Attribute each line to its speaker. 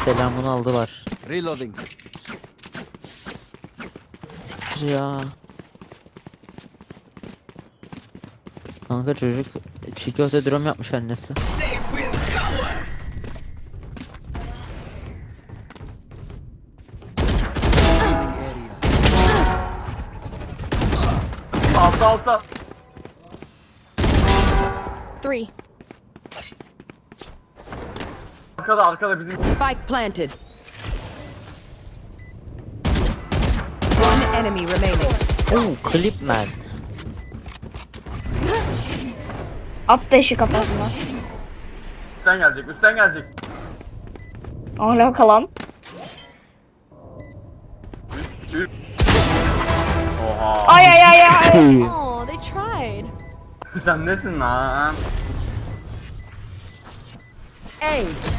Speaker 1: selamını aldılar.
Speaker 2: Reloading.
Speaker 1: Siktir ya. Kanka çocuk çiğ köfte dürüm yapmış annesi.
Speaker 3: Altta altta.
Speaker 4: 3.
Speaker 3: Arkada bizim.
Speaker 5: Spike planted. One enemy remaining.
Speaker 1: Oo, clip man.
Speaker 6: At da işi kapatma.
Speaker 3: Üstten gelecek.
Speaker 6: Hala kalan.
Speaker 3: Oha.
Speaker 6: Ay ay ay ay.
Speaker 4: Oh, they tried.
Speaker 3: Sen nesin lan?
Speaker 5: A.